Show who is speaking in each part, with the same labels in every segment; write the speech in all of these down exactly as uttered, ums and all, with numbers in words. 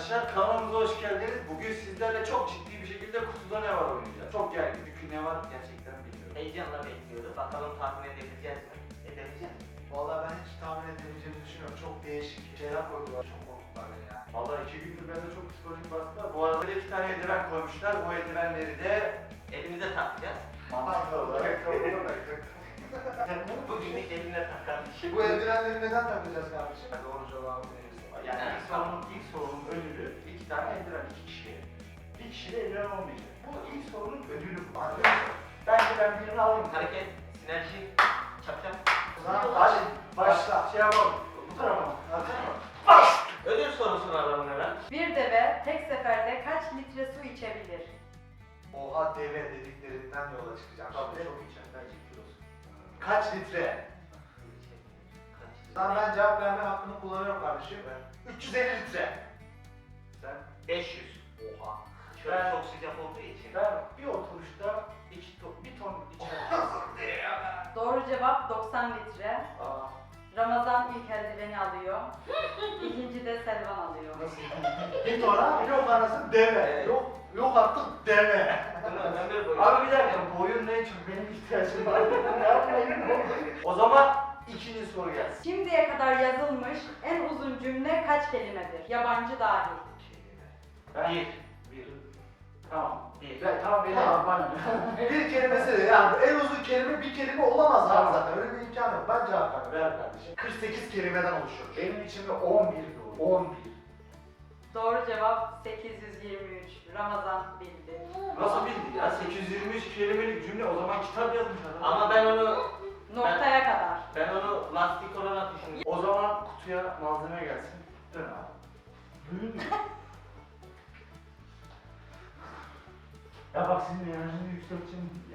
Speaker 1: arkadaşlar, kanalımıza hoş geldiniz. Bugün sizlerle çok ciddi bir şekilde kutuda ne var oynayacağız. Çok gergin çünkü ne var gerçekten bilmiyorum.
Speaker 2: Heyecanla bekliyoruz. Bakalım tahmin edebileceğiz mi? Edebileceğiz mi?
Speaker 3: Vallahi ben hiç tahmin edebileceğimi düşünüyorum. Çok değişik şeyler koydular. Çok korkuttular beni ya.
Speaker 1: Vallahi iki gündür bende çok psikolojik baskı var. Bu arada iki tane eldiven koymuşlar. Bu eldivenleri de
Speaker 2: Elimize takacağız.
Speaker 1: mantıklı olarak
Speaker 2: Bugünlük eline tak kardeşim.
Speaker 3: Bu eldivenleri neden takacağız kardeşim? Doğru cevabı verirse.
Speaker 1: Yani ilk sorunun, ilk sorunun ödülü iki tane eldiven, iki kişiye. Bir kişide eldiven olmayacak. Bu ilk sorunun ödülü bu. Bence ben birini alayım.
Speaker 2: Hareket, sinerji, çap çap.
Speaker 1: Hadi başla. Şey yapalım. Bu tarafa mı?
Speaker 2: Ödül sorusunu alalım hemen.
Speaker 4: Bir deve tek seferde kaç litre su içebilir?
Speaker 3: Oha deve dediklerinden yola çıkacağım.
Speaker 1: Tabii
Speaker 3: Şimdi.
Speaker 1: çok içer. Bence kilosu.
Speaker 3: Kaç litre? Tamam ben cevap verme hakkını kullanıyorum kardeşim. üç yüz elli litre.
Speaker 1: Sen?
Speaker 2: beş yüz.
Speaker 1: Oha.
Speaker 2: Şöyle
Speaker 1: Ben-
Speaker 2: çok sıcak olduğu için.
Speaker 1: Ben bir oturuşta iki ton, bir ton içerim.
Speaker 4: Doğru cevap doksan litre.
Speaker 1: Aa,
Speaker 4: Ramazan ilk eldiveni alıyor. İkinci de Selvan alıyor.
Speaker 3: Nasıl? Bir tora yok anasın deve.
Speaker 2: Evet.
Speaker 3: Yok yok artık deve.
Speaker 2: Bunu ömür boyu.
Speaker 1: Abi bir dakika, boyun ne çok benim ihtiyacım var. Ne yapayım? O zaman ikinci soru gelsin.
Speaker 4: Şimdiye kadar yazılmış en uzun cümle kaç kelimedir? Yabancı dahil.
Speaker 1: Ben
Speaker 2: Bir.
Speaker 1: bir. Tamam.
Speaker 2: Bir.
Speaker 1: Ben, tamam benim
Speaker 3: Tamam.
Speaker 1: bana.
Speaker 3: Bir kelimesi de yani en uzun kelime bir kelime olamaz abi
Speaker 1: Tamam.
Speaker 3: zaten. Öyle bir imkan yok. Ben cevap vermem.
Speaker 1: Ver kardeşim.
Speaker 3: kırk sekiz kelimeden oluşuyor.
Speaker 1: Benim içimde on bir doğru. on bir.
Speaker 4: Doğru cevap sekiz yüz yirmi üç. Ramazan bildi.
Speaker 1: Nasıl bildi ya? sekiz yüz yirmi üç kelimelik cümle, o zaman kitap yazmış adam.
Speaker 2: Ama ben onu,
Speaker 4: Noktaya kadar.
Speaker 2: ben onu lastik olarak düşündüm.
Speaker 1: O zaman kutuya malzeme gelsin. Dön abi. Duyun mu? Ya bak senin enerjini yükselteceğim ya.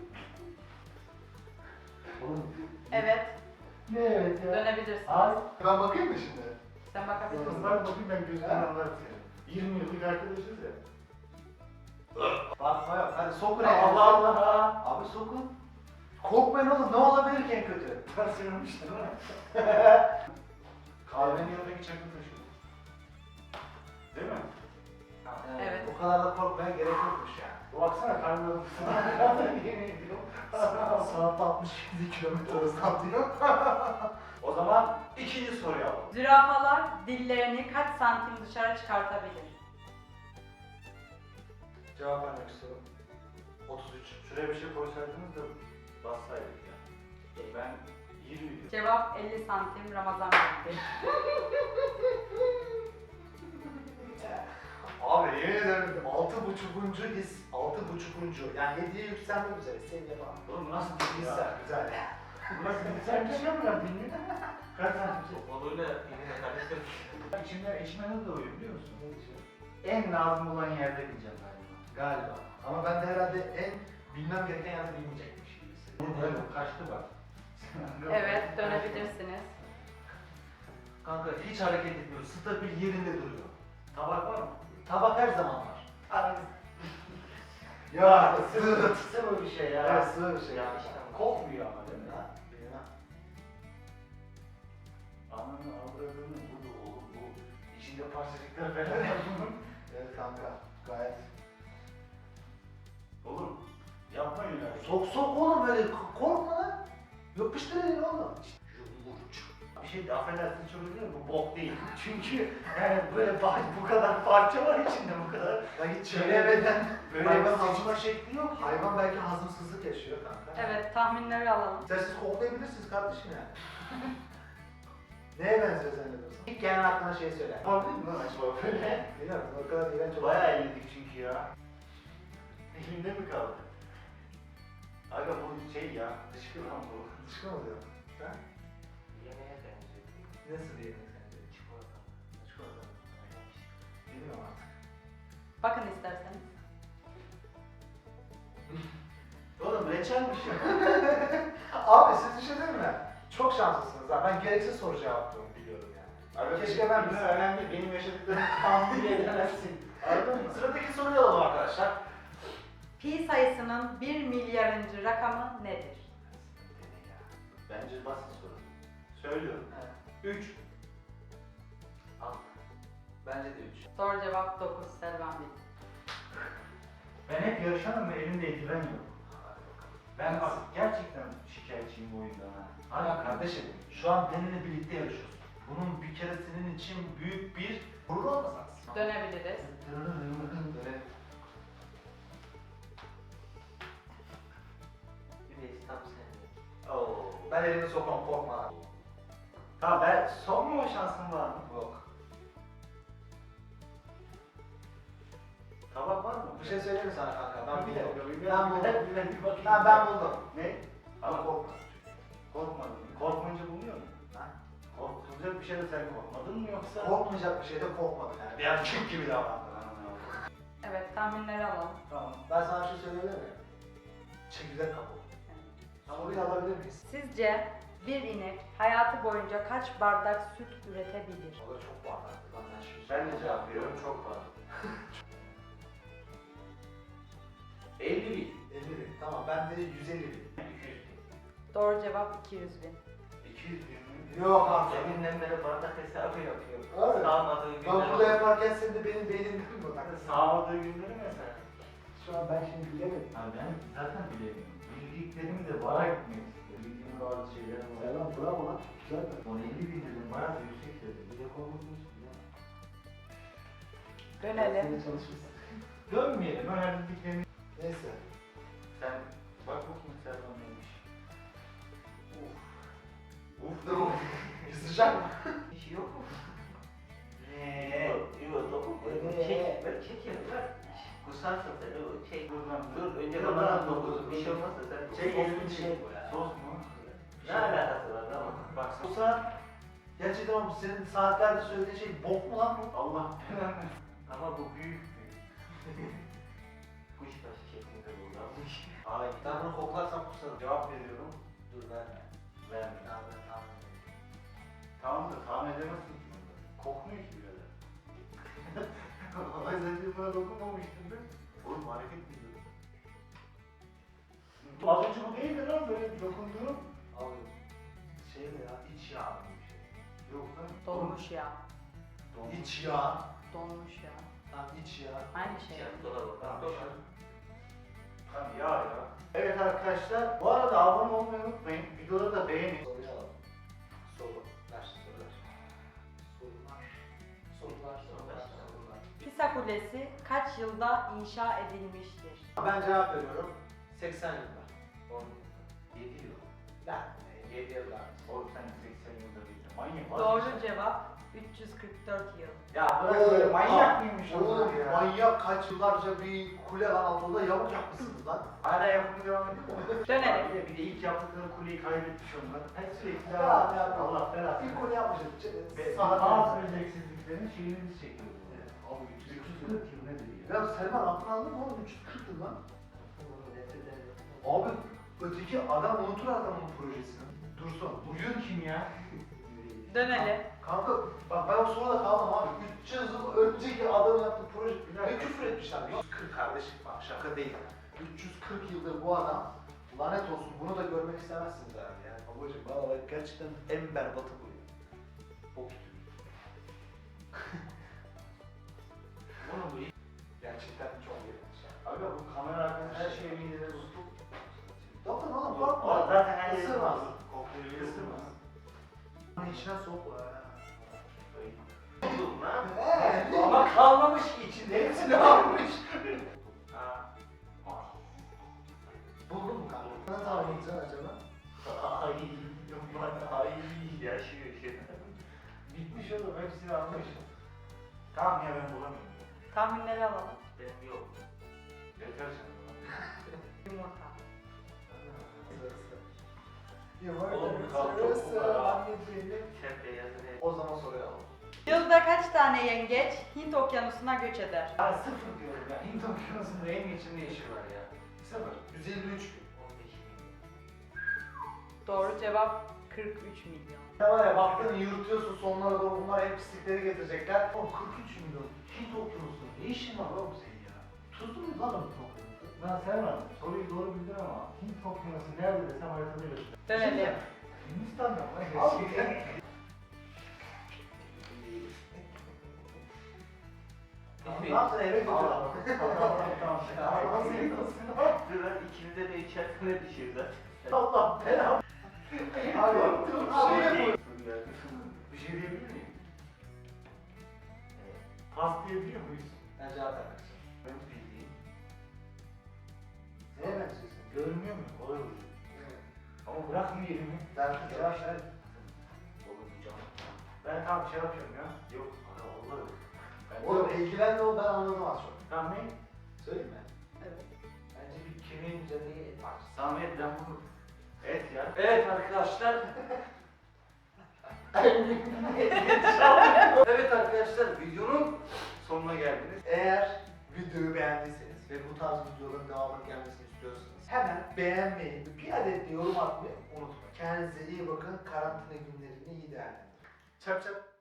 Speaker 1: Oğlum.
Speaker 4: Evet,
Speaker 1: Ne evet ya?
Speaker 4: dönebilirsin.
Speaker 1: Ay.
Speaker 3: Ben bakayım mı şimdi?
Speaker 4: Sen bakabilirsin.
Speaker 1: Kızlar bakayım, ben gözümden anlarım seni. yirmi yıllık arkadaşız ya.
Speaker 3: Bakma yok. Hadi sokun
Speaker 1: Allah
Speaker 3: elinizi.
Speaker 1: Allah.
Speaker 3: Abi sokun. Korkmayın oğlum. Ne olabilir ki en kötü?
Speaker 1: Tansiyonmuştu değil mi? Kahvenin yanındaki çakı taşı. Değil mi?
Speaker 4: Evet.
Speaker 3: O kadar da korkmaya gerek yokmuş yani.
Speaker 1: Baksana karnım.
Speaker 3: Saatte altmış yedi kilometre hızla diyor.
Speaker 1: O zaman ikinci soruyu alalım.
Speaker 4: Zürafalar dillerini kaç santim dışarı çıkartabilir?
Speaker 3: Cevap vermek istiyorum. otuz üç.
Speaker 1: Şuraya bir şey koysaydınız da bassaydık ya. Ben yirmi diyorum.
Speaker 4: Cevap elli santim. Ramazan bildi.
Speaker 3: Abi yemin ederim altı buçukuncu his, altı buçukuncu. Yani hediye yükselmek üzere seviye falan.
Speaker 1: Oğlum nasıl bir his
Speaker 3: Güzel,
Speaker 1: ya?
Speaker 3: güzel.
Speaker 1: Nasıl bir sen bir şey mi lan bilmiyorum. Kaç santim?
Speaker 2: Koluyla yine karıştırdım.
Speaker 1: İçimde eşime ne doğuyor biliyor musun? En lazım olan yerde bileceğim galiba.
Speaker 3: Galiba. Ama ben de herhalde en bilmem gereken yerde bilmeyecekmiş gibi hissediyorum.
Speaker 1: Böyle kaçtı bak.
Speaker 4: Evet, dönebilirsiniz.
Speaker 3: Kanka hiç hareket etmiyor, stabil yerinde duruyor.
Speaker 1: Tabak var mı?
Speaker 3: Tabak her zaman var.
Speaker 1: Abi.
Speaker 3: Ya sığ.
Speaker 1: Sıvı bir şey ya.
Speaker 3: Evet sığ bir şey.
Speaker 2: Ya işte.
Speaker 1: Kokmuyor ama değil mi?
Speaker 3: Ha, bilmem.
Speaker 1: Ananı avradını bu da oğlum bu. İçinde parçacıklar falan var bunun.
Speaker 3: Evet kanka gayet.
Speaker 1: Oğlum yapmayın öyle.
Speaker 3: Sok sok oğlum böyle k- korkma lan. Yapıştır elini oğlum.
Speaker 1: Bir şey de affedersin çok özür dilerim, bu bok değil. Çünkü yani böyle par- bu kadar parça var içinde, bu kadar.
Speaker 3: Ya git
Speaker 1: Çiğnemeden böyle
Speaker 3: Hayvan
Speaker 1: bir
Speaker 3: hazım-
Speaker 1: seçme şekli yok ya.
Speaker 3: Hayvan belki hazımsızlık yaşıyor kanka.
Speaker 4: Evet, tahminleri alalım.
Speaker 3: İsterseniz koklayabilirsiniz kardeşim yani. Neye benziyor zannediyorsun? İlk gelen aklına şey söyle.
Speaker 1: Yapabilir mi lan acaba böyle?
Speaker 3: Bilmiyorum o kadar iğrenç olur.
Speaker 1: Bayağı elledik çünkü ya. Elimde mi kaldı? Aga bu şey ya, dışkı lan bu.
Speaker 3: Dışkı mı oluyor? Ha?
Speaker 2: Yemeğe benziyor.
Speaker 3: Nasıl diyelim sence?
Speaker 2: Çikolata.
Speaker 3: Çikolata. Bilmiyorum artık.
Speaker 4: Bakın isterseniz.
Speaker 1: Oğlum reçelmiş ya.
Speaker 3: Abi siz bir şey değil mi? Çok şanslısınız ha. Ben gereksiz soru cevaplığımı biliyorum yani.
Speaker 1: Aga
Speaker 3: Keşke ben
Speaker 1: bilmem, önemli değil. Benim yaşadıklarımı tahmin bile edemezsin. Anladın mı?
Speaker 3: Sıradaki soruyu alalım arkadaşlar.
Speaker 4: Pi sayısının bir milyarıncı rakamı nedir?
Speaker 1: Bence basit soru. Söylüyorum.
Speaker 3: Evet.
Speaker 1: üç.
Speaker 2: Altı.
Speaker 3: Bence de üç.
Speaker 4: Doğru cevap dokuz. Selvan bildi.
Speaker 1: Ben hep yarışanım ve elimde eldiven yok. Ben bak gerçekten şikayetçiyim bu oyundan ha.
Speaker 3: Hala kardeşim, şu an benimle birlikte yarışıyorsun. Bunun bir kere senin için büyük bir gurur olmasın?
Speaker 4: Dönebiliriz.
Speaker 3: Böyle
Speaker 2: Güneş tam senlik. Oo.
Speaker 3: ben elimi sokmam, korkma.
Speaker 1: Tamam ben son şansım var mı?
Speaker 3: Yok.
Speaker 1: Tabak var mı?
Speaker 3: Bir şey söyleyeyim mi sana kanka? Ben
Speaker 1: bir
Speaker 3: buldum.
Speaker 1: dakika, bir
Speaker 3: Ben buldum.
Speaker 1: dakika, bir dakika, bir bakayım.
Speaker 3: Ha, ben buldum.
Speaker 1: Ne?
Speaker 3: Ama korkma.
Speaker 1: Korkmadın. Korkmayınca buluyor musun?
Speaker 3: Ha?
Speaker 1: Korkulacak bir şey de sen korkmadın mı yoksa?
Speaker 3: Korkmayacak bir şeyde korkmadım yani. Bir erkek gibi davrandın.
Speaker 4: Evet, tahminleri alalım.
Speaker 1: Tamam.
Speaker 3: Ben sana bir şey söyleyebilir miyim? Çekirdek kapı. Soruyu alabilir miyiz?
Speaker 4: Sizce bir inek hayatı boyunca kaç bardak süt üretebilir?
Speaker 3: O da çok bardaktı lan ben şimdi.
Speaker 1: Ben de cevap veriyorum, çok var. elli bin.
Speaker 3: elli bin. Tamam ben de yüz elli bin.
Speaker 1: iki yüz bin.
Speaker 4: Doğru cevap iki yüz bin.
Speaker 1: iki yüz bin mi?
Speaker 3: Yok abi.
Speaker 2: Deminden beri bardak hesabı yapıyor.
Speaker 3: Abi,
Speaker 2: Sağmadığı
Speaker 3: Ben
Speaker 2: günler
Speaker 3: burada
Speaker 2: oldu.
Speaker 3: yaparken senin de benim beynimde mi bu?
Speaker 1: Sağladığı günleri mesela.
Speaker 3: Şu an ben şimdi bilemedim.
Speaker 1: Ha ben zaten bilemiyorum. Bildiklerimi de bana gitmek istiyorum. Bildiğim bazı şeyler var.
Speaker 3: Selam bravo lan. Güzel.
Speaker 1: Son elli bin dedim, bayağı da yüksek dedim. Bir de korkmuş ya.
Speaker 4: Dönelim.
Speaker 3: çalışırsın.
Speaker 1: Dönmeyelim, öğrendiklerimi.
Speaker 3: Neyse.
Speaker 1: Sen bak bakayım Servan neymiş. Uf. Uf da
Speaker 3: Dur. Sıcak mı?
Speaker 2: Hiç yok mu?
Speaker 1: Eee.
Speaker 2: Yok, yok, dokun.
Speaker 3: Ee.
Speaker 2: Çek, ver, çekelim, ver. Kusarsın sen, o şey.
Speaker 1: Buradan
Speaker 2: Dur, önce
Speaker 1: Dur,
Speaker 2: bana
Speaker 1: dur,
Speaker 2: dokuz.
Speaker 1: dur,
Speaker 2: Bir şey
Speaker 1: dur.
Speaker 2: olmazsa sen.
Speaker 1: Şey
Speaker 2: Sos
Speaker 1: elini
Speaker 2: bir
Speaker 1: şey
Speaker 2: şey bu ya.
Speaker 1: Sos mu?
Speaker 2: Ne alakası var ama?
Speaker 1: Bak sos.
Speaker 3: Yoksa gerçekten oğlum senin saatlerde söylediğin şey bok mu lan bu?
Speaker 1: Allah belanı.
Speaker 2: Ama bu büyük büyük. Kuşbaşı şeklinde kullanmış.
Speaker 1: Ay
Speaker 3: Ben bunu koklarsam kusarım.
Speaker 1: cevap veriyorum.
Speaker 3: Dur verme.
Speaker 1: Verme.
Speaker 3: Tamam ben tamam.
Speaker 1: Tamam da tahmin edemezsin ki bunu. Kokmuyor ki birader. Az önce buna dokunmamıştın değil mi? Oğlum hareket mi ediyorsun? Az önce bu değildi lan böyle dokunduğum.
Speaker 3: Abi şey mi ya? İç yağ mı bir şey?
Speaker 1: Yok lan.
Speaker 4: Donmuş ya.
Speaker 1: Donmuş.
Speaker 3: İç yağ.
Speaker 4: Donmuş ya.
Speaker 3: Tamam iç yağ.
Speaker 4: Aynı şey.
Speaker 2: Şey, dolar bak.
Speaker 1: Tamam,
Speaker 2: Dolar.
Speaker 1: Tamam ya ya. Evet arkadaşlar, bu arada abone olmayı unutmayın. Videoları da beğenin.
Speaker 3: Soruyu alalım. Soru. Ver sorular. Sorular. Sorular. Sorular. Sorular.
Speaker 4: Pisa Kulesi kaç yılda inşa edilmiştir?
Speaker 3: Ben cevap veriyorum. seksen yıllar.
Speaker 2: on yedi yıl.
Speaker 3: Lan yedi yıllar.
Speaker 1: Oğlum sen seksen yılda bildin. Manyak. var
Speaker 4: Doğru
Speaker 1: mısın?
Speaker 4: cevap üç yüz kırk dört yıl.
Speaker 1: Ya bırak böyle manyak
Speaker 3: Aa,
Speaker 1: mıymış
Speaker 3: oğlum,
Speaker 1: onlar ya?
Speaker 3: manyak kaç yıllarca bir kule lan altında yamuk yapmışsınız lan.
Speaker 1: Hala yapımı devam ediyor mu?
Speaker 4: Dönelim.
Speaker 1: Bir de, bir de ilk yaptıkları kuleyi kaybetmiş onlar. Hep sürekli
Speaker 3: Ya,
Speaker 1: devam
Speaker 3: ya,
Speaker 1: ediyor. Allah belasını.
Speaker 3: Bir kule yapmışız.
Speaker 1: Ve
Speaker 3: Saat
Speaker 1: bazı beceriksizliklerin şeyini biz çekiyoruz. Abi üç yüz kırk yıl nedir ya?
Speaker 3: Ya Selman aklını aldın mı oğlum? üç yüz kırk yıl lan. Abi öteki adam unutur adamın projesini. Dursun.
Speaker 1: Bugün kim ya?
Speaker 4: Dönelim.
Speaker 3: Kanka bak ben o sırada kaldım abi. üç yüz yıl önceki adam yaptığı proje.
Speaker 1: Bir dakika.
Speaker 3: Ne küfür etmişler. yüz kırk kardeşim bak şaka değil. üç yüz kırk yıldır bu adam lanet olsun bunu da görmek istemezsiniz herhalde yani. Babacım valla gerçekten en berbatı bu ya. Bok gibi.
Speaker 1: Oğlum bu
Speaker 3: Gerçekten çok ilginç ya.
Speaker 1: Aga bu kamera arkası her şeyi midede tutup.
Speaker 3: Doktor oğlum
Speaker 1: Aa,
Speaker 3: korkma.
Speaker 1: zaten her yeri
Speaker 3: Isırmaz.
Speaker 1: var. Kokluyor, ısırmaz.
Speaker 3: Bunu içine sok.
Speaker 2: Buldum lan.
Speaker 3: Eee?
Speaker 1: Ama kalmamış ki içinde. Hepsini almış.
Speaker 2: Ha.
Speaker 3: Buldun mu kanka? Ne tahmin edeceksin acaba?
Speaker 1: Ay, aman ay, yaşıyor şimdi. Bitmiş oğlum, hepsini almış. Tamam ya ben bulamıyorum.
Speaker 4: Tahminleri alalım.
Speaker 2: Benim yok.
Speaker 1: Yeter sen.
Speaker 4: Yumurta.
Speaker 2: Oğlum, kalk,
Speaker 3: Sırası,
Speaker 2: çok var ha.
Speaker 3: anneciğim.
Speaker 2: Sen beyazını
Speaker 3: O zaman soruyu alalım.
Speaker 4: Yılda kaç tane yengeç Hint okyanusuna göç eder?
Speaker 1: Ya sıfır diyorum ya. Hint okyanusunda en geçimli işi var ya. Sıfır.
Speaker 3: yüz elli üç gün.
Speaker 2: on beş milyon.
Speaker 4: Doğru cevap kırk üç milyon.
Speaker 3: Ya var ya baktın yürütüyorsun sonlara doğru bunlar hep pislikleri getirecekler.
Speaker 1: Oğlum kırk üç milyon. Hint okyanusunda ne işin var oğlum senin ya?
Speaker 3: Tuzlu mu lan o okyanusu?
Speaker 1: Ben sevmem. Soruyu doğru bildin ama Hint okyanusu nerede desem haritada göster.
Speaker 4: Dönelim.
Speaker 1: Hindistan'da mı?
Speaker 3: Abi. Ne yaptın eve götür.
Speaker 1: Tamam tamam tamam.
Speaker 3: Allah seni olsun.
Speaker 2: Dur ikinize de içerisine düşürdü.
Speaker 3: Allah belanı. Abi dur. Abi ne bu?
Speaker 1: Bir şey diyebilir miyim? Pas diyebiliyor muyuz?
Speaker 3: Ben cevap vermek istiyorum.
Speaker 1: Benim bildiğim.
Speaker 3: Neye benziyorsun?
Speaker 1: Görünmüyor mu? Kolay oluyor. Ama bırakma elimi.
Speaker 3: Ben cevap ver.
Speaker 1: Olamayacağım. Ben tamam şey yapıyorum ya. Yok. Ana vallahi yok. Ben
Speaker 3: Oğlum ilgilenme ol, ben anladım az çok.
Speaker 1: Tamam ne?
Speaker 3: Söyleyeyim mi?
Speaker 4: Evet.
Speaker 3: Bence bir kemiğin üzerindeki et parçası.
Speaker 1: Samet ben bunu. Et ya.
Speaker 2: Evet arkadaşlar.
Speaker 3: Evet arkadaşlar, videonun
Speaker 1: Sonuna geldiniz.
Speaker 3: eğer videoyu beğendiyseniz ve bu tarz videoların devamının gelmesini istiyorsanız hemen beğenmeyi ve bir adet de yorum atmayı unutmayın. Kendinize iyi bakın, karantina günlerini iyi değerlendirin.
Speaker 1: Çap çap.